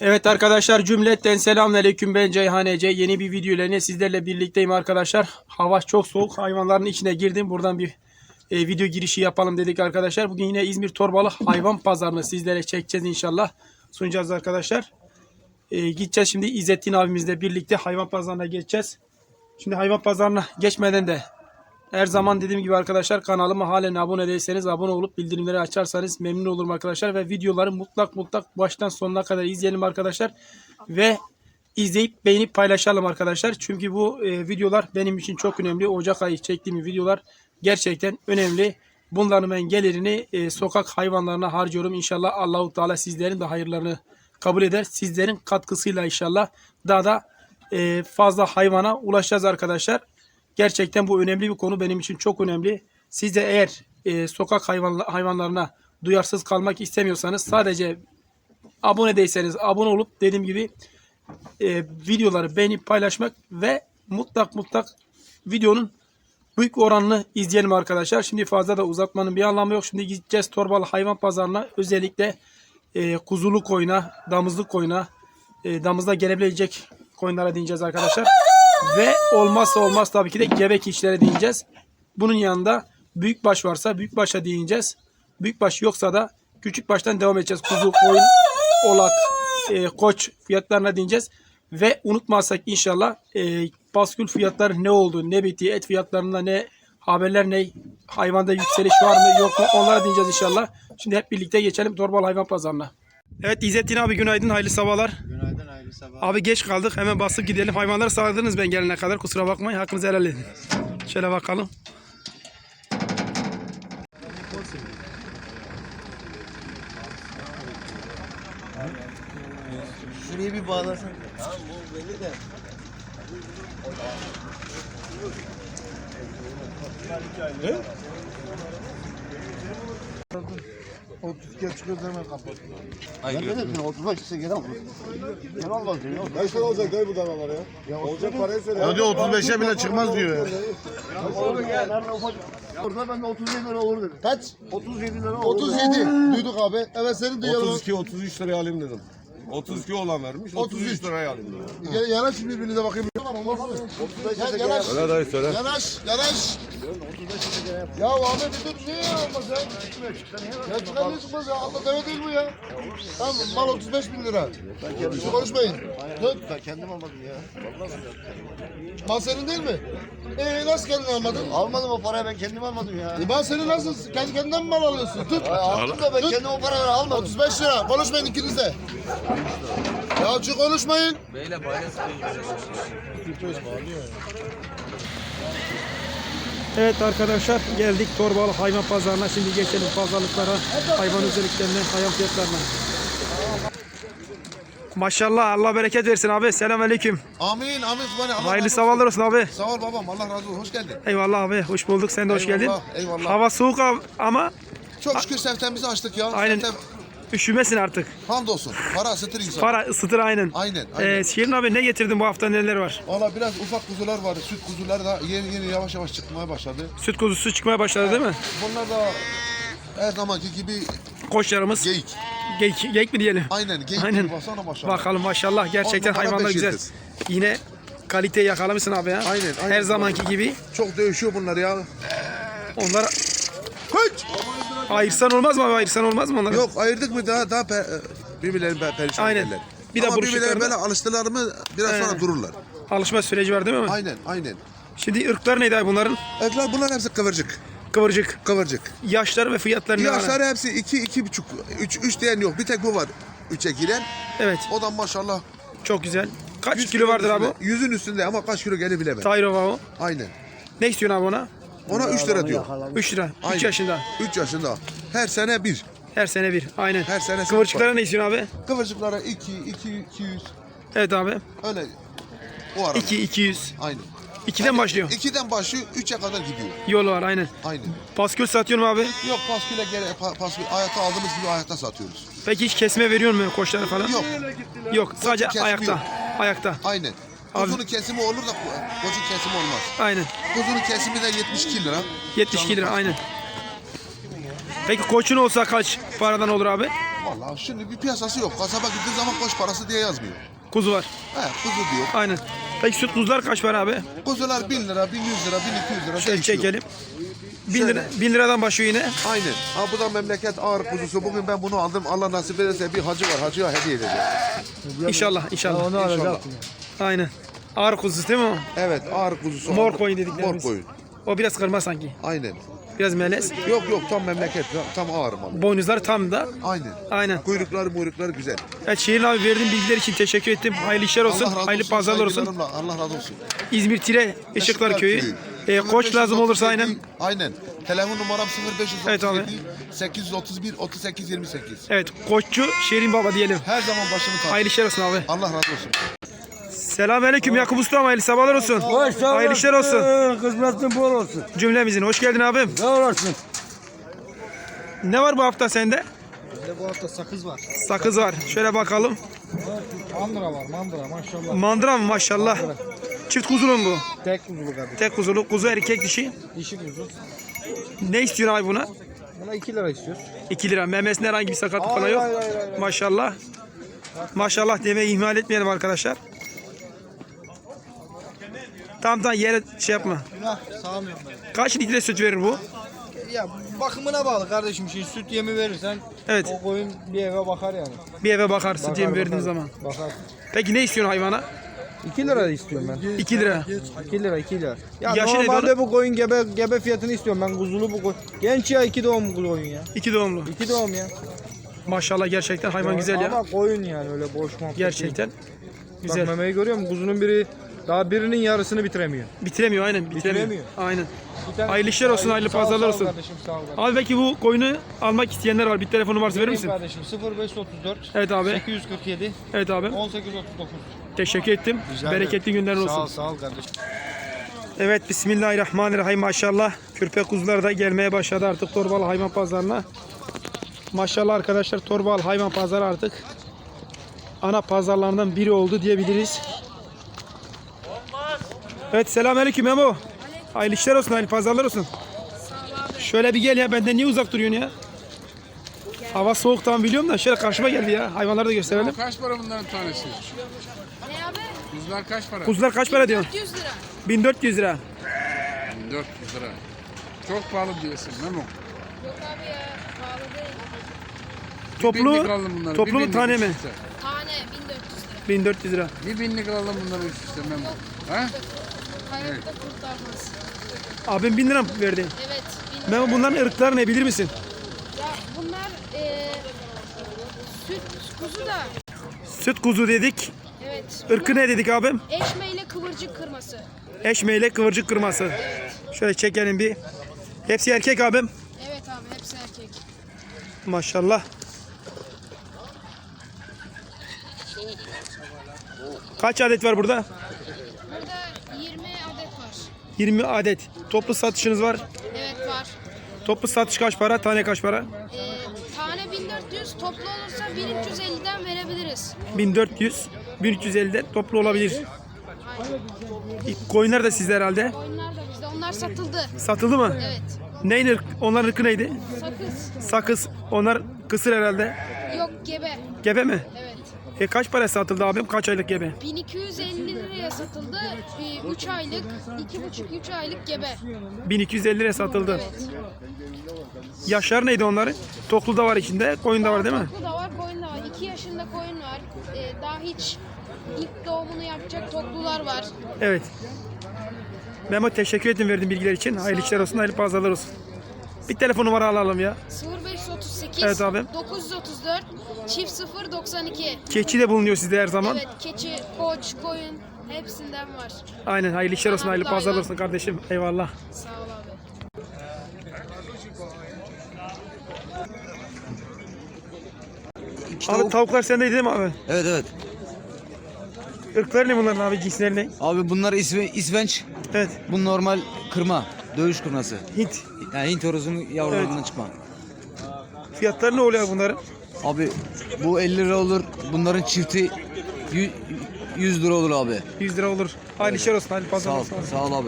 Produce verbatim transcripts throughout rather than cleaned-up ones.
Evet arkadaşlar, cümleten selamünaleyküm, ben Ceyhan Ece. Yeni bir video ile sizlerle birlikteyim arkadaşlar. Hava çok soğuk, hayvanların içine girdim. Buradan bir e, video girişi yapalım dedik arkadaşlar. Bugün yine İzmir Torbalı hayvan pazarını sizlere çekeceğiz inşallah. Sunacağız arkadaşlar. E, gideceğiz şimdi İzzettin abimizle birlikte hayvan pazarına geçeceğiz. Şimdi hayvan pazarına geçmeden de her zaman dediğim gibi arkadaşlar, kanalıma halen abone değilseniz abone olup bildirimleri açarsanız memnun olurum arkadaşlar. Ve videoları mutlak mutlak baştan sonuna kadar izleyelim arkadaşlar. Ve izleyip beğenip paylaşalım arkadaşlar. Çünkü bu e, videolar benim için çok önemli. Ocak ayı çektiğim videolar gerçekten önemli. Bunların ben gelirini e, sokak hayvanlarına harcıyorum. İnşallah Allahu Teala sizlerin de hayırlarını kabul eder. Sizlerin katkısıyla inşallah daha da e, fazla hayvana ulaşacağız arkadaşlar. Gerçekten bu önemli bir konu, benim için çok önemli. Siz de eğer e, sokak hayvan, hayvanlarına duyarsız kalmak istemiyorsanız, sadece abone değilseniz abone olup dediğim gibi e, videoları beğenip paylaşmak ve mutlak mutlak videonun büyük oranını izleyelim arkadaşlar. Şimdi fazla da uzatmanın bir anlamı yok. Şimdi gideceğiz Torbalı hayvan pazarına, özellikle e, kuzulu koyuna, damızlık koyuna, e, damızda gelebilecek koyunlara değineceğiz arkadaşlar. Ve olmazsa olmaz tabii ki de gebe keçilere değineceğiz. Bunun yanında büyükbaş varsa büyükbaşa değineceğiz. Büyükbaş yoksa da küçükbaştan devam edeceğiz. Kuzu, koyun, oğlak, e, koç fiyatlarına değineceğiz. Ve unutmazsak inşallah e, baskül fiyatları ne oldu, ne bitti, et fiyatlarında ne haberler, ne hayvanda yükseliş var mı yok mu, onlara değineceğiz inşallah. Şimdi hep birlikte geçelim Torbalı hayvan pazarına. Evet İzzettin abi, günaydın, hayırlı sabahlar. Günaydın, hayırlı sabah. Abi geç kaldık, hemen basıp gidelim. Hayvanları sağladınız ben gelene kadar, kusura bakmayın, hakkınızı helal edin. Şöyle bakalım. Şurayı bir bağlasana. Tamam, bu belli de. Ne? otuz kere çıkıyoruz hemen kapat. Hayır. Ne dedin? otuz beş ise gene almaz. Gene almaz diyor. Kaç tane olacak dayı bu danalar ya? ya olacak parayı söyle. Ya diyor otuz beşe bile çıkmaz diyor ya. Orada ben de otuz yedi lira olur dedim. Kaç? otuz yedi lira olur. otuz yedi. Duyduk abi. Evet senin de otuz iki otuz üç liraya alayım dedim. otuz iki olan vermiş. otuz üç liraya alayım dedim. Ya, yanaş şimdi birbirinize bakayım. Ya, yanaş. Öyle dayı söyle. Yanaş. Yanaş. Ya abi bir dur, niye olmaz ya? Ya çıkar ne çıkmaz ya? Allah deve değil bu ya. Tamam, mal otuz beş bin lira. Hiç konuşmayın. Tut. Ben kendim almadım ya. Mal senin değil mi? Ee nasıl kendin almadın? Almadım o parayı, ben kendim almadım ya. E mal senin nasıl? Kendi kendinden mi mal alıyorsun? Tut. Aldım da ben Tut. kendim o paraları almadım. otuz beş lira. Konuşmayın ikiniz de. Ya çık konuşmayın. Evet arkadaşlar, geldik Torbalı hayvan pazarına. Şimdi geçelim pazarlıklara, hayvan özelliklerine, hayvan fiyatlarına. Maşallah, Allah bereket versin abi. Selamünaleyküm. Amin amin. Subhane, Allah Hayırlı razı sabahlar olsun abi. olsun. Sağ ol babam, Allah razı olsun. Hoş geldin. Eyvallah abi, hoş bulduk. Sen de hoş geldin. Eyvallah, eyvallah. Hava soğuk ab- ama Çok şükür seftemizi açtık ya. aynen, Seftem, üşümesin artık. hamdolsun. Para ısıtır insan. Para ısıtır aynen. Aynen, aynen. Ee, Şirin abi, ne getirdin bu hafta, neler var? Valla biraz ufak kuzular var. Süt kuzuları da yeni yeni yavaş yavaş çıkmaya başladı. Süt kuzusu çıkmaya başladı değil mi? Bunlar da her zamanki gibi Koçlarımız. geyik. Geyik, geyik mi diyelim? Aynen geyik Aynen. gibi, baksana maşallah. Bakalım maşallah, gerçekten On numara hayvanlar beş güzel. yıldız. Yine kaliteyi yakalamışsın abi ya. Aynen, aynen. Her zamanki gibi. Çok dövüşüyor bunlar ya. Onlar Kaç! ayırsan olmaz mı abi? Ayırsan olmaz mı onları? Yok ayırdık mı daha daha pe, birbirlerini pe, perişan Aynen. ederler. Bir de Ama birbirlerine buruşuklarını- böyle alıştılar mı biraz He. sonra dururlar. Alışma süreci var değil mi? Aynen aynen. Şimdi ırklar neydi abi bunların? Evler bunlar hepsi kıvırcık. Kıvırcık. Kıvırcık. Yaşları ve fiyatları ne? Yaşları hepsi iki, iki buçuk, üç, üç diyen yok. Bir tek bu var. Üçe giren. Evet. O da maşallah. Çok güzel. Kaç yüz kilo vardır abi? üstünde, yüzün üstünde ama kaç kilo gelir bilemem. Tayrova o. Aynen. Ne istiyorsun abi ona? Ona üç lira diyor. üç lira. üç Aynen. yaşında. üç yaşında. Her sene bir. Her sene bir. Aynen. Her sene Kıvırcıklara ne istiyorsun abi? Kıvırcıklara iki, iki, iki yüz. Evet abi. Öyle. O arada. iki iki yüz. Aynen. ikiden başlıyor. ikiden başlıyor, üçe kadar gidiyor. Yolu var aynen. Aynen. Paskül satıyorsun mu abi? Yok pasküle gene pa, paskül ayakta aldığımız gibi ayakta satıyoruz. Peki hiç kesme veriyor mu koçları falan? Yok. Yok, sadece kesmiyor. ayakta. Ayakta. Aynen. Abi- Kuzunun kesimi olur da koçun kesimi olmaz. Aynen. Kuzunun kesimi de yetmiş iki lira. yetmiş iki lira aynen. Peki koçun olsa kaç paradan olur abi? Vallahi şimdi bir piyasası yok. Kasaba gittiğin zaman koç parası diye yazmıyor. Kuzu var. He kuzu diyor. Aynen. Peki süt kuzular kaç para abi? Kuzular bin lira, bin yüz lira, bin iki yüz lira Şöyle değişiyor. çekelim. bin, Şöyle. lira, bin liradan başlıyor yine. Aynen. Ha bu da memleket ağır kuzusu. Bugün ben bunu aldım. Allah nasip ederse bir hacı var. Hacıya hediye edeceğim. İnşallah inşallah. İnşallah. Aynen. Ağır kuzusu değil mi o? Evet ağır kuzusu. Mor aldım. koyun dediklerimiz. Mor koyun. O biraz kırma sanki. Aynen. Biraz melez. Yok yok tam memleket. Tam ağır mal. Boynuzları tam da. Aynen. Aynen. Kuyrukları muyrukları güzel. Evet Şirin abi verdiğin bilgiler için teşekkür ettim. Hayırlı işler olsun. Allah razı Hayırlı olsun, pazarlar olsun. saygılarımla. Allah razı olsun. İzmir Tire Işıklar Köyü. E, koç lazım olursa aynen. Aynen. Telefon numaram sıfır beş otuz Evet abi. yedi sekiz otuz bir otuz sekiz yirmi sekiz. Evet koççu Şirin Baba diyelim. Her zaman başımı tak. Hayırlı işler olsun abi. Allah razı olsun. Selamünaleyküm Yakup Usta, hayırlı sabahlar olsun. Hayırlı işler olsun. Kısmetin bol olsun. Cümlemizin hoş geldin abim. Ne olasın? Ne var bu hafta sende? Bizde bu hafta sakız var. Sakız var. Şöyle bakalım. Mandıra var, mandıra maşallah. Mandıra mı maşallah. Çift kuzulu mu bu? Tek kuzulu kardeşim. Tek kuzulu. Kuzu erkek dişi. Dişi kuzu. Ne istiyorsun abi buna? Buna iki lira istiyoruz. iki lira. Memesinde herhangi bir sakatlık falan yok. hayır, hayır, hayır. Maşallah. Maşallah demeyi ihmal etmeyelim arkadaşlar. Tam tam yere şey yapma. Günah sağlamıyorum ben. Kaç litre süt verir bu? Ya bakımına bağlı kardeşim. Şimdi süt yemi verirsen Evet. o koyun bir eve bakar yani. Bir eve bakar süt Bakar, yemi verdiğin bakar. zaman. Bakar. Peki ne istiyorsun hayvana? iki lira istiyorum ben. iki lira. iki lira iki lira. Ya Yaşı ne normalde bunun? bu koyun gebe gebe fiyatını istiyorum ben kuzulu bu koyun. Genç ya iki doğum koyun ya. iki doğumlu. İki doğum ya. Maşallah gerçekten hayvan güzel Ama ya. koyun yani öyle boş muhabbet değil. Gerçekten. Bak Güzel. memeyi görüyor musun? Kuzunun biri daha birinin yarısını bitiremiyor. Bitiremiyor aynen bitiremiyor. Bitiremiyor. Aynen. Bir tane- Hayırlı işler olsun, hayırlı Sağ ol, pazarlar sağ ol olsun. Kardeşim, sağ ol kardeşim. Abi belki bu koyunu almak isteyenler var. Bir telefonu varsa verir Vereyim misin? kardeşim sıfır beş otuz dört Evet abi. sekiz yüz kırk yedi Evet abi. on sekiz otuz dokuz. Teşekkür ettim. Rica Bereketli ederim. günler Sağ ol olsun. sağ ol kardeşim. Evet bismillahirrahmanirrahim maşallah. Kürpe kuzular da gelmeye başladı artık Torbalı hayvan pazarına. Maşallah arkadaşlar Torbalı hayvan pazarı artık ana pazarlarından biri oldu diyebiliriz. Evet selamünaleyküm Memo. Hayırlı işler olsun, hayırlı pazarlar olsun. Şöyle bir gel ya, benden niye uzak duruyorsun ya? Hava soğuk tamam biliyorum da şöyle karşıma geldi ya. Hayvanları da gösterelim. Kaç para bunların tanesi? Ne abi? Kuzular kaç para? Kuzular kaç para diyorsun? dört yüz lira. bin dört yüz lira. dört yüz lira. Çok pahalı diyorsun Memo. Yok abi ya pahalı değil. Toplu, binlik alalım bunları, toplu bir mu binlik tane üst mi? üste. Tane bin dört yüz lira. bin dört yüz lira. Bir binlik alalım bunları üst üste Memo. Ha? Hayatta kurtarmaz. Abim bin lira mı verdi? Evet. Bin lira. Memo bunların ırkları ne bilir misin? Ya bunlar eee süt kuzu da. Süt kuzu dedik. Evet. Irkı ne dedik abim? Eşmeyle kıvırcık kırması. Eşmeyle kıvırcık kırması. Şöyle çekelim bir. Hepsi erkek abim. Evet abi hepsi erkek. Maşallah. Kaç adet var burada? Burada yirmi adet var. yirmi adet. Toplu satışınız var. Evet var. Toplu satış kaç para? Tane kaç para? Eee tane bin dört yüz toplu olursa bin üç yüz elliden verebiliriz. bin dört yüz. bin üç yüz ellide toplu olabilir. Aynen. Koyunlar da sizde herhalde. Oyunlar da bizde. Onlar satıldı. Satıldı mı? Evet. Neyin ırk? Onların ırkı neydi? Sakız. Sakız. Onlar kısır herhalde. Yok gebe. Gebe mi? Evet. E kaç para satıldı abim? Kaç aylık gebe? bin iki yüz elli liraya satıldı. üç aylık, iki buçuk üç aylık gebe. bin iki yüz elli liraya satıldı. Evet. Yaşlar neydi onların? Toklu da var içinde, koyun da var değil mi? Toklu da var, koyun da var. iki yaşında koyun var. Ee, daha hiç ilk doğumunu yapacak toklular var. Evet. Memo teşekkür ederim verdiğin bilgiler için. Hayırlı işler olsun, hayırlı pazarlar olsun. Bir telefon numara alalım ya. sıfır beş otuz sekiz Evet abi. dokuz yüz otuz dört çift sıfır doksan iki. Keçi de bulunuyor sizde her zaman. Evet, keçi, koç, koyun hepsinden var. Aynen hayırlı işler olsun, hayırlı Kanatlı pazarlar hayvan. olsun kardeşim. Eyvallah. Sağ ol abi. Abi tavuklar sendeydi değil mi abi? Evet evet. Irkları ne bunların abi, cinsleri ne? Abi bunlar isve, isvenç. Evet. Bu normal kırma. Dövüş kırması. Hint. Yani Hint horozunun yavrularından Evet. çıkma. Fiyatları ne oluyor bunların? Abi bu elli lira olur. Bunların çifti yü- yüz lira olur abi. yüz lira olur. Hayırlı işler olsun, hayırlı Sağ pazarlar ol. olsun. Sağ ol abi.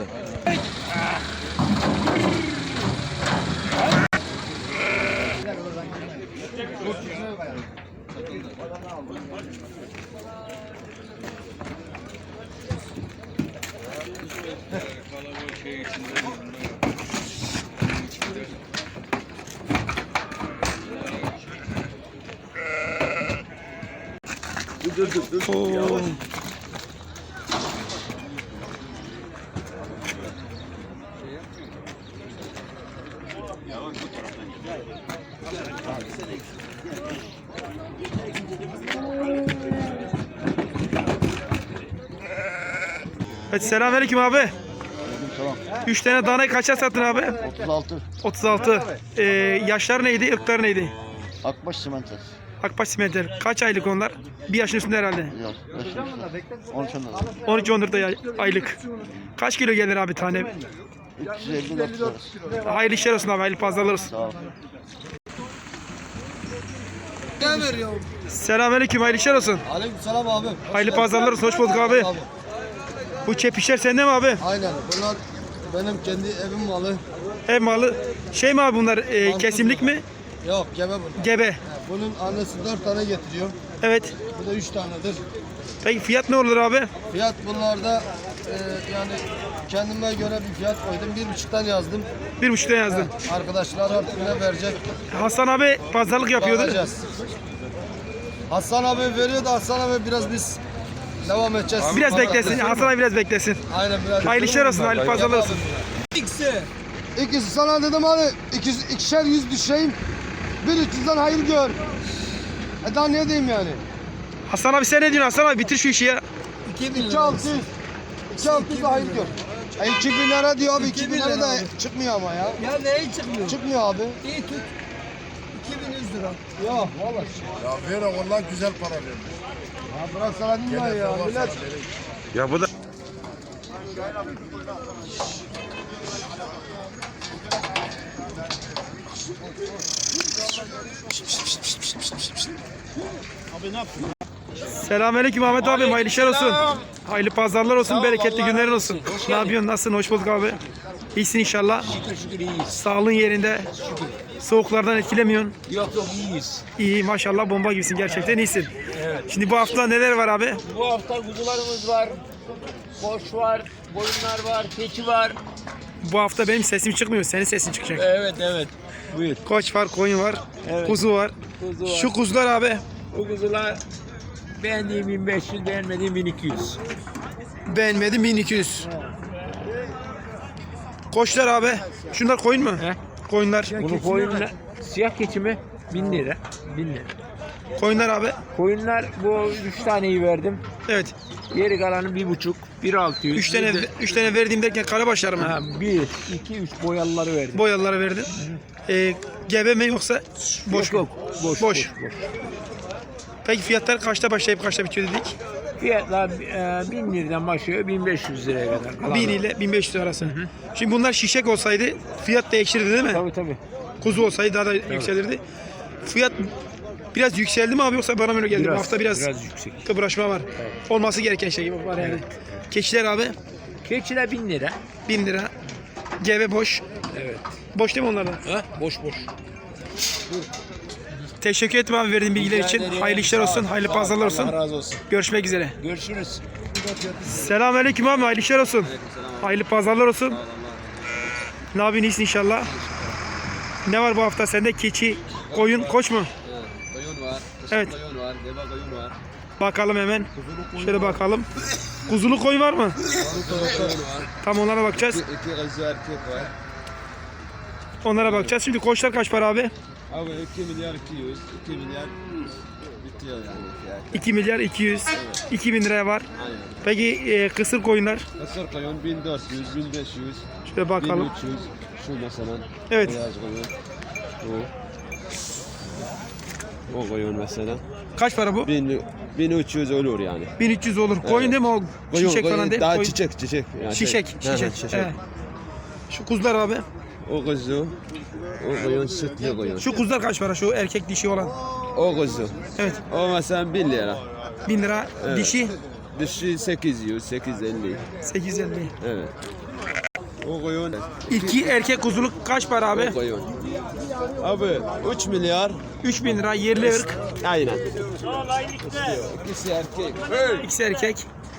Oo. Evet, selamünaleyküm abi. Üç tane danayı kaça sattın abi? otuz altı. otuz altı. Ee, yaşlar neydi, ırkları neydi? Akbaş simenter. Akbaş simenter. Kaç aylık onlar? Bir yaşın üstünde herhalde. Yok. on üç on üç on dört ay- aylık. Kaç kilo gelir abi tane? üç yüz elli dört lira. Hayırlı işler olsun abi, hayırlı pazarlar olsun. Sağ ol. Selamünaleyküm, hayırlı işler olsun. Aleykümselam abi. Hayırlı pazarlar olsun, hoş bulduk abi. Bu çepişler sende mi abi? Aynen. Bunlar benim kendi evim malı. Ev malı. Şey mi abi bunlar, e, kesimlik mi? Yok gebe bunlar. Gebe. Ha, bunun annesi dört tane getiriyor. Evet. Bu da üç tanedir. Peki fiyat ne olur abi? Fiyat bunlarda e, yani kendime göre bir fiyat koydum. Bir buçuktan yazdım. Bir buçuktan yazdın. Arkadaşlar artık ne verecek? Hasan abi pazarlık yapıyordu. Bakacağız. Hasan abi veriyor da Hasan abi biraz biz devam edeceğiz. Biraz beklesin. Hasan abi biraz beklesin. Aynen biraz. Hayırlı işler olsun, hayırlı pazarlar olsun. İkisi sana dedim hani ikiz, ikişer yüz düşeyim. Bir üç yüzden hayır gör. E daha ne diyeyim yani? Hasan abi sen ne diyorsun Hasan abi? Bitir şu işi ya. iki altı yüz. iki altı yüz de hayır gör. E iki bin lira diyor abi. iki bin lira da çıkmıyor ama ya. Ya neyi çıkmıyor? Çıkmıyor abi. İyi tut. iki bin yüz lira. Yok vallahi. Ya ver onlar güzel para vermiş. Ya bırak sana dinle ya. Millet. Ya bu da Selamünaleyküm Ahmet abi, hayırlı işler olsun. Hayırlı pazarlar olsun, bereketli günlerin olsun. Ne yapıyorsun, nasılsın, hoş bulduk abi. İyisin inşallah. Şükür şükür iyiyiz. Sağlığın yerinde. Soğuklardan etkilemiyorsun. Yok yok iyiyiz. İyi maşallah, bomba gibisin, gerçekten iyisin. Şimdi bu hafta neler var abi? Bu hafta kuzularımız var. Koç var, boyunlar var, keçi var. Bu hafta benim sesim çıkmıyor, senin sesin çıkacak. Evet evet. Buyur. Koç var, koyun var, Evet. kuzu var. Kuzu var. Şu kuzular abi, Bu kuzular beğendiğim bin beş yüz, beğenmediğim bin iki yüz. beğenmedim bin iki yüz. Koçlar abi, şunlar koyun mu? He? Koyunlar. Bunu koyunlar, siyah keçi mi? bin lira. bin lira. Koyunlar abi. Koyunlar bu üç taneyi verdim. Evet. Geri kalanı bir buçuk, bir altı yüz. Üç tane, bir de- üç tane verdiğim derken karabaşlar mı? Ha, bir, iki, üç boyalıları verdim. Boyalılara verdin. Ee, gebe mi yoksa boş Yok, mu? yok. Boş, Boş. boş, boş. Peki fiyatlar kaçta başlayıp kaçta bitiyor dedik? Fiyatlar e, bin liradan başlıyor, bin beş yüz liraya kadar. Kalan- bin ile bin beş yüz arası. Şimdi bunlar şişek olsaydı fiyat değişirdi değil mi? Tabii tabii. Kuzu olsaydı daha da yükselirdi. Fiyat biraz yükseldi mi abi yoksa bana mı öyle geldi? Bu hafta biraz, biraz yüksek. kıpraşma var. Olması gereken şey gibi var yani. Keçiler abi Keçiler bin lira. bin lira. Gebe boş. Evet. Boş değil mi onlar da? Ha? Boş boş. Teşekkür ederim abi verdiğin bilgiler Rica için. ederim. Hayırlı işler Sağ ol. olsun, hayırlı Sağ ol. pazarlar olsun. Allah razı olsun. Görüşmek üzere. Görüşürüz. Selamünaleyküm abi, hayırlı işler olsun. Hayırlı pazarlar olsun. Ne yapıyorsun, iyisin inşallah. Ne var bu hafta sende? Keçi, koyun, koç mu? Koyun var. Evet. Koyun var. Deve koyun var. Bakalım hemen. Şöyle bakalım. Kuzulu koyun var mı? Tam onlara bakacağız. İki kızı erkek var. Onlara bakacağız. Şimdi koçlar kaç para abi? Abi iki milyar iki yüz. iki milyar bitiyor yani fiyat. iki milyar iki yüz. iki bin liraya var. Aynen. Peki e, kısır koyunlar? Kısır koyun bin dört yüz, bin beş yüz, Şöyle bakalım. bin üç yüz. Şu mesela. Evet. Beyaz koyun. O. O koyun mesela. Kaç para bu? bin, bin üç yüz olur yani. bin üç yüz olur. Koyun değil mi o? Koyun, Şişek koyun, falan değil mi? Daha Koyun. çiçek çiçek. Yani Şişek, şey. Hı hı, şişek. şişek. Evet. Şu kuzular abi. O kuzu. O koyun sütlü koyun. Şu kuzular kaç para? Şu erkek dişi olan. O kuzu. Evet. O mesela bin lira. bin lira. Evet. Dişi Dişi sekiz yüz, sekiz yüz elli. sekiz yüz elli. Evet. O koyun. İki erkek kuzuluk kaç para abi? O koyun. Abi üç milyar. üç bin lira yerli ırk. Aynen. İkisi erkek. İkisi erkek.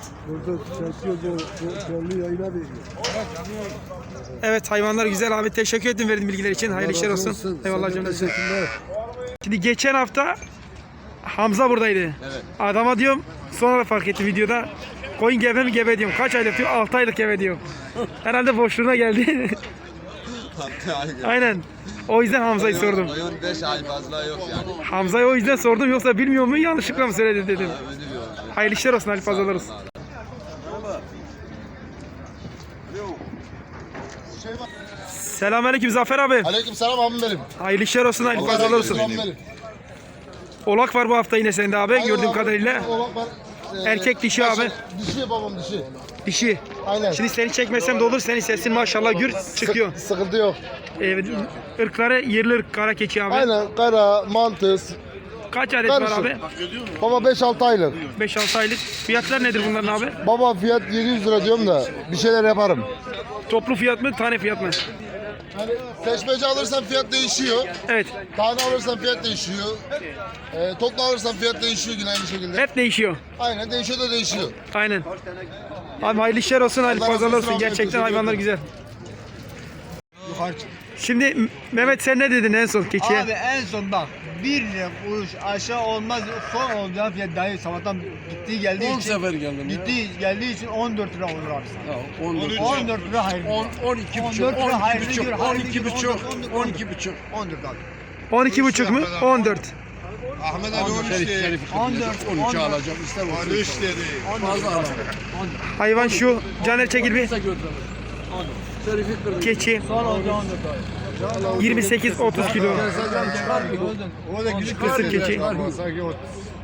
Evet hayvanlar güzel abi. Teşekkür ederim verdiğin bilgiler için. Hayırlı işler olsun. Eyvallah cümlesi. Şimdi geçen hafta Hamza buradaydı. Evet. Adama diyorum sonra fark ettim videoda. Koyun gebe mi gebe diyorum. Kaç aylık diyor? altı aylık gebe diyor. Herhalde boşluğuna geldi. Aynen. O yüzden Hamza'yı sordum. Koyun beş ay fazla yok yani. Hamza'yı o yüzden sordum yoksa bilmiyor mu yanlışlıkla mı söyledi dedim. Öyle diyor. Hayırlı işler olsun, hayırlı pazarlar olsun. Selamünaleyküm Zafer abi. Aleyküm selam abim benim. Hayırlı işler olsun, hayırlı pazarlar olsun. Abim benim. Oğlak var bu hafta yine sende abi Aynen gördüğüm abi. kadarıyla. Oğlak var. Ee, Erkek dişi abi. Dişi babam dişi. Dişi. Aynen. Şimdi seni çekmesem de olur, senin sesin maşallah gür çıkıyor. Sık- sıkıntı yok. Evet, ırkları yerli ırk kara keçi abi. Aynen kara, mantıs. Kaç adet Karışık. var abi? Baba beş altı aylık. beş altı aylık. Fiyatlar nedir bunların abi? Baba fiyat yedi yüz lira diyorum da bir şeyler yaparım. Toplu fiyat mı, tane fiyat mı? Seçmece alırsan fiyat değişiyor. Evet, Tane alırsan fiyat değişiyor. Ee, toplu alırsan fiyat değişiyor yine aynı şekilde. hep değişiyor. Aynen değişiyor da değişiyor. Aynen. Abi hayırlı işler olsun, hayırlı Allah razı pazarlar olsun olsun. abi, Gerçekten teşekkür hayvanlar ederim. güzel. Şimdi M- Mehmet sen ne dedin en son keçiye? Abi en son bak bir lira kuruş aşağı olmaz son olacağı fiyat dahi sabahtan gittiği geldiği on için sefer geldim ya. gittiği geldiği için on dört lira olur abi. Ya, on dört. on dört lira hayırlı. on, on iki buçuk, on dört lira on iki hayırlı buçuk, gör, on hayırlı iki gör, buçuk, on dört, on iki buçuk. on dört abi. on iki buçuk mu? on dört. Ahmet Ali on Şerif, üç Şerif, on dört, on on üçe dört. alacağım. İster Ali olsun. üç dedi. Fazla alamam. Hayvan şu. Caner çekil bir. Kısa götürelim. Şerif'i kırdım. Keçi. Son olacağı on dört abi. yirmi sekiz otuz kilo. O da gülük Kısır keçi. Sanki o.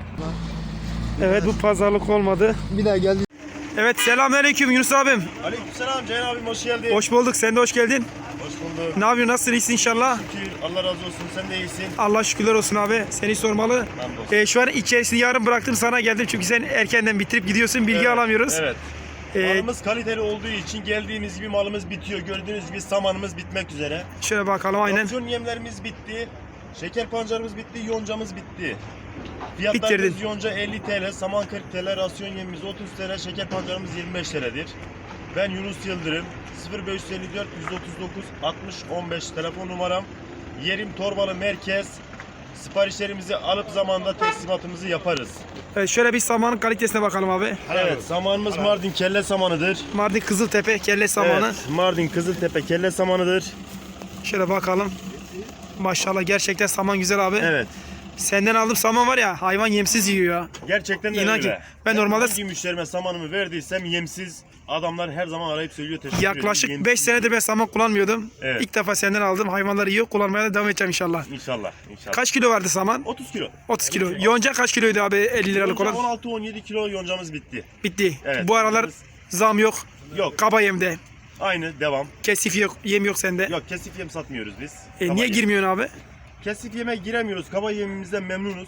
Evet bu pazarlık olmadı. Bir daha geldi. Evet selamünaleyküm Yunus abim. Aleykümselam Ceyhan abim hoş geldin. Hoş bulduk. Sen de hoş geldin. Hoş bulduk. Ne yapıyorsun? Nasılsın? İyisin inşallah. Şükür, Allah razı olsun sen de iyisin. Allah şükürler olsun abi. Seni sormalı. Hamdolsun. Ee, şu an içerisini yarın bıraktım sana geldim çünkü sen erkenden bitirip gidiyorsun. Bilgi Evet, alamıyoruz. Evet. Ee, Malımız kaliteli olduğu için geldiğimiz gibi malımız bitiyor. Gördüğünüz gibi samanımız bitmek üzere. şöyle bakalım aynen. Opsiyon yemlerimiz bitti. Şeker pancarımız bitti, yoncamız bitti. Fiyatlarımız Bitirdin. yonca elli TL, saman kırk TL, rasyon yemimiz otuz TL, şeker pancarımız yirmi beş TL'dir. Ben Yunus Yıldırım, sıfır beş yüz elli dört yüz otuz dokuz altmış on beş telefon numaram. Yerim Torbalı Merkez. Siparişlerimizi alıp zamanda teslimatımızı yaparız. Evet, şöyle bir samanın kalitesine bakalım abi. Evet, samanımız Mardin kelle samanıdır. Mardin Kızıltepe kelle samanı. Evet, Mardin Kızıltepe kelle samanıdır. Şöyle bakalım. Maşallah gerçekten saman güzel abi. Evet. Senden aldığım saman var ya hayvan yemsiz yiyor ya. Gerçekten de İnan öyle. ki ben normalde- hangi müşterime samanımı verdiysem yemsiz adamlar her zaman arayıp söylüyor teşekkür ederim. Yaklaşık Yemsiz. beş senedir ben saman kullanmıyordum. Evet. İlk defa senden aldım. Hayvanları yiyor. Kullanmaya da devam edeceğim inşallah. İnşallah, inşallah. Kaç kilo vardı saman? otuz kilo. otuz kilo. Yonca kaç kiloydu abi elli liralık Yonca olan? on altı on yedi kilo yoncamız bitti. Bitti. Evet. Bu aralar zam yok. Yok, Kaba yemde. aynı devam. Kesif yok. Yem yok sende. Yok, kesif yem satmıyoruz biz. E, Kaba niye yem. girmiyorsun abi? Kesif yeme giremiyoruz. Kaba yemimizden memnunuz.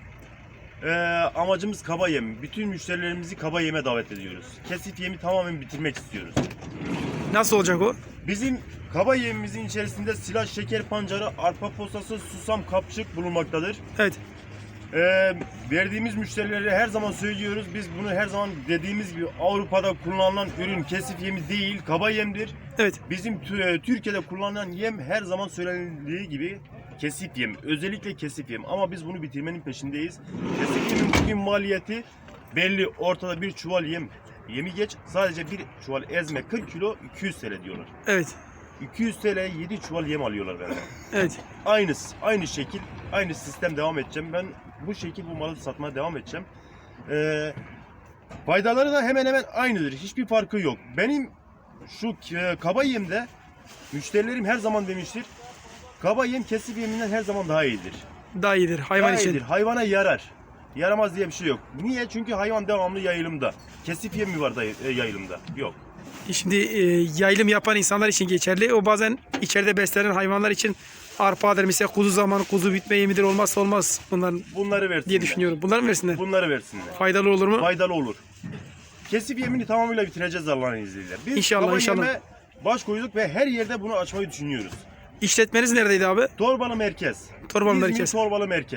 Ee, amacımız kaba yem. Bütün müşterilerimizi kaba yeme davet ediyoruz. Kesif yemi tamamen bitirmek istiyoruz. Nasıl olacak o? Bizim kaba yemimizin içerisinde silah, şeker pancarı, arpa posası, susam, kapçık bulunmaktadır. Evet. Ee, verdiğimiz müşterilere her zaman söylüyoruz. Biz bunu her zaman dediğimiz gibi Avrupa'da kullanılan ürün kesif yemi değil, kaba yemdir. Evet. Bizim tü- Türkiye'de kullanılan yem her zaman söylenildiği gibi kesif yem. Özellikle kesif yem. Ama biz bunu bitirmenin peşindeyiz. Kesif yemin bugün maliyeti belli. Ortada bir çuval yem. Yemi geç. Sadece bir çuval ezme kırk kilo iki yüz TL diyorlar. Evet. iki yüz TL'ye yedi çuval yem alıyorlar benden. Evet. Aynı, aynı şekil, aynı sistem devam edeceğim. Ben bu şekil bu malı satmaya devam edeceğim. Ee, faydaları da hemen hemen aynıdır. Hiçbir farkı yok. Benim şu e, kaba yemde müşterilerim her zaman demiştir. Kaba yem kesif yeminden her zaman daha iyidir. Daha iyidir hayvan Daha için. iyidir. Hayvana yarar. Yaramaz diye bir şey yok. Niye? Çünkü hayvan devamlı yayılımda. Kesif yem mi var da e, yayılımda? Yok. Şimdi e, yayılım yapan insanlar için geçerli. O bazen içeride beslenen hayvanlar için arpadır. Mesela kuzu zamanı kuzu bitme yemidir. Olmazsa olmaz bunların Bunları versinler. diye düşünüyorum. Bunları mı versinler? Bunları versinler. Faydalı olur mu? Faydalı olur. Kesif yemini tamamıyla bitireceğiz Allah'ın izniyle. Biz İnşallah, kaba inşallah. yeme baş koyduk ve her yerde bunu açmayı düşünüyoruz. İşletmeniz neredeydi abi? Torbalı Merkez. Torbalı İzmir Merkez. Torbalı Merkez.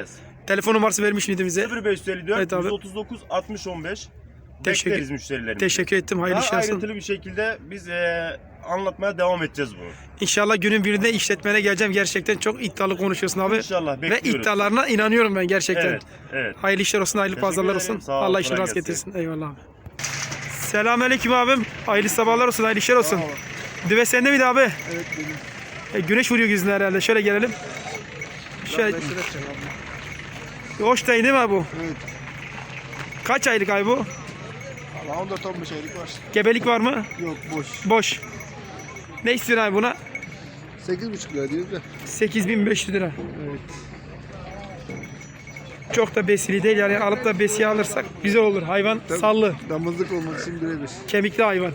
Telefon numarası vermiş miydi bize? sıfır beş elli dört Evet abi. yüz otuz dokuz altmış on beş. Teşekkür- Bekleriz müşterilerimizi. Teşekkür ettim. Hayırlı Daha işler olsun. ayrıntılı bir şekilde biz e, anlatmaya devam edeceğiz bunu. İnşallah günün birinde işletmene geleceğim. Gerçekten çok iddialı konuşuyorsun abi. İnşallah Ve bekliyoruz. iddialarına inanıyorum ben gerçekten. Evet, evet. Hayırlı işler olsun, hayırlı Teşekkür pazarlar ederim. olsun. Sağ ol, Allah işini kolay rast gelsin. getirsin. Eyvallah abi. Selamünaleyküm abim. Hayırlı sabahlar olsun, hayırlı işler olsun. Düve sende miydi abi? Evet benim. E, güneş vuruyor yüzüne herhalde. Şöyle gelelim. Şöyle. Hoş değil değil mi abi bu? Evet. Kaç aylık ay bu? Valla on dört on beş aylık var. Gebelik var mı? Yok boş. Boş. Ne istiyorsun abi buna? sekiz buçuk lira diyor da. sekiz bin beş yüz lira. Evet. Çok da besili değil yani alıp da besiye alırsak güzel olur. Hayvan Tabii. sallı, Damızlık olmak için birebir. kemikli hayvan.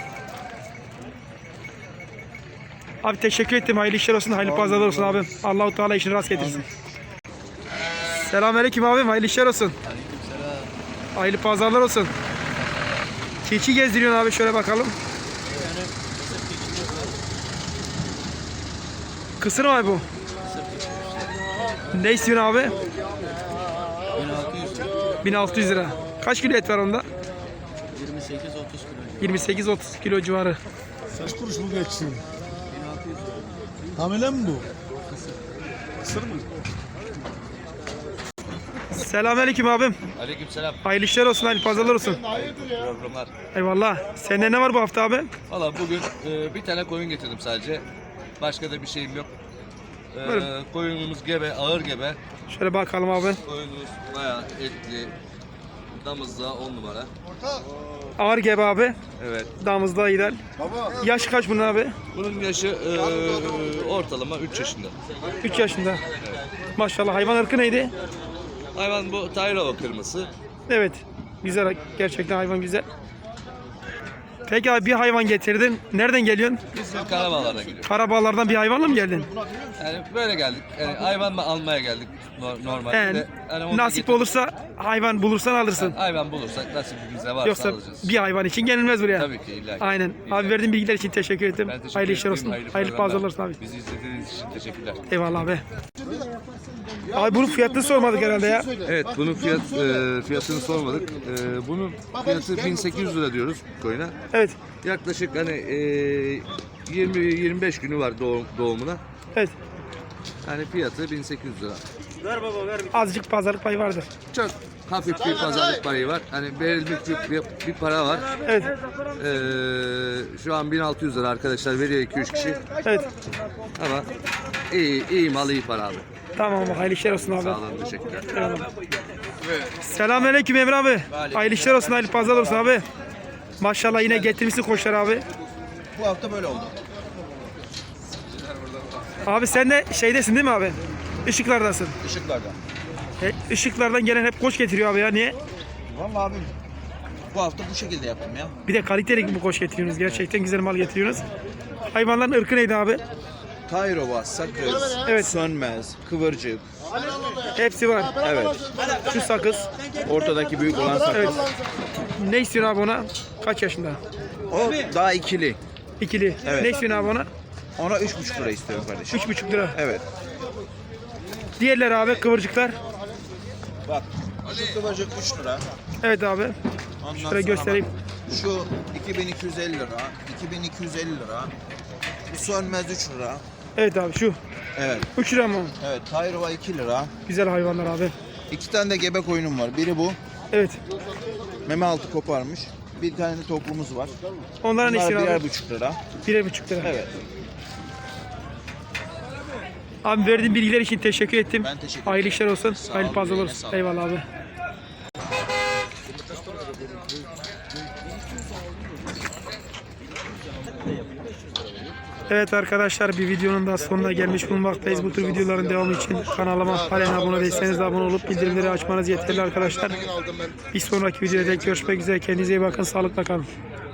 Abi teşekkür ettim. Hayırlı işler olsun, hayırlı pazarlar olsun abim. Allahu Teala işini rast getirsin. Selamünaleyküm abim. Hayırlı işler olsun. Hayırlı pazarlar olsun. Keçi gezdiriyorsun abi, şöyle bakalım. Kısır mı abi bu? Ne istiyorsun abi? bin altı yüz lira. Kaç kilo et var onda? yirmi sekiz otuz kilo. yirmi sekiz otuz kilo civarı. Kaç kuruş bu geçsin? Hamile mi bu? Kısır mı? Selamünaleyküm abim. Aleykümselam. Hayırlı işler olsun, hayırlı pazarlar olsun. Programlar. Eyvallah. Sende ne var bu hafta abi? Valla bugün e, bir tane koyun getirdim sadece. Başka da bir şeyim yok. E, Buyurun. koyunumuz gebe, ağır gebe. Şöyle bakalım abi. Koyunumuz bayağı etli. Damızda on numara. Ağır gebe abi. Evet. Damızda gider. Yaş kaç bunun abi? Bunun yaşı e, ortalama üç yaşında. üç yaşında. Maşallah, hayvan ırkı neydi? Hayvan bu Tayrova kırması. Evet. Güzel, gerçekten hayvan güzel. Peki abi, bir hayvan getirdin. Nereden geliyorsun? Biz de Karabağlar'dan geliyoruz. Karabağlar'dan bir hayvanla mı geldin? Yani böyle geldik. Yani hayvan mı almaya geldik no- normalde. He, de. Yani onu nasip getirdik. olursa hayvan bulursan alırsın. Hayvan bulursak nasibimize varsa Yoksa alacağız. bir hayvan için gelinmez buraya. Tabii ki illa ki. Aynen. Abi verdiğin bilgiler için teşekkür ederim. Ben teşekkür Hayırlı işler ederim. olsun. Hayırlı Hayırlı programlar. pazarlar olsun abi. Bizi izlediğiniz için teşekkürler. Eyvallah abi. Abi bunun fiyatını sormadık herhalde ya. Evet, bunun fiyat e, fiyatını sormadık. E, bunun fiyatı bin sekiz yüz lira diyoruz koyuna. Evet. Yaklaşık hani e, yirmi yirmi beş günü var doğum, doğumuna. Evet. Yani fiyatı bin sekiz yüz lira. Azıcık pazarlık payı vardır. Çok hafif bir pazarlık payı var. Hani verilmiş bir, bir, bir para var. Evet. E, şu an bin altı yüz lira arkadaşlar veriyor iki üç kişi. Evet. Ama iyi, iyi mal iyi para abi. Tamam abi. Hayırlı işler olsun abi. Sağ olun, teşekkürler. Eyvallah. Selamünaleyküm Emre abi. Hayırlı işler olsun, hayırlı pazarlar olsun abi. Maşallah yine getirmişsin koçlar abi. Bu hafta böyle oldu. Abi sen de şeydesin değil mi abi? Işıklardasın. Işıklarda. E, ışıklardan gelen hep koç getiriyor abi ya. Niye? Vallahi abim bu hafta bu şekilde yaptım ya. Bir de kaliteli bu koç getiriyorsunuz. Gerçekten güzel mal getiriyorsunuz. Hayvanların ırkı neydi abi? Tayrova, sakız, Evet. sönmez, kıvırcık. Hepsi var. Evet. Şu sakız. Ortadaki büyük olan sakız. Evet. Ne istiyorsun abi ona? Kaç yaşında? O daha ikili. İkili. Evet. Ne istiyorsun abi ona? Ona üç buçuk lira istiyorum kardeşim. Üç buçuk lira. Evet. Diğerleri abi kıvırcıklar. Bak şu kıvırcık üç lira. Evet abi. Ondan Şöyle sonra göstereyim. bak, şu iki bin iki yüz elli lira. iki bin iki yüz elli lira. Bu sönmez üç lira. Evet abi şu. Evet. üç lira mı? Evet. Tayrova iki lira. Güzel hayvanlar abi. İki tane de gebe koyunum var. Biri bu. Evet. Meme altı koparmış. Bir tane de toplumuz var. Onlara ne Bunlar istiyorsun birer abi? buçuk lira. Birer buçuk lira. Evet. Abi verdiğin bilgiler için teşekkür ettim. Ben teşekkür ederim. Hayırlı işler olsun. Sağ Hayırlı ol, pazarlar eline olsun. sağlık. Eyvallah abi. Evet arkadaşlar, bir videonun da sonuna gelmiş bulunmaktayız. Bu tür videoların devamı için kanalıma halen abone değilseniz de abone olup bildirimleri açmanız yeterli arkadaşlar. Bir sonraki videoda görüşmek üzere. Kendinize iyi bakın. Sağlıkla kalın.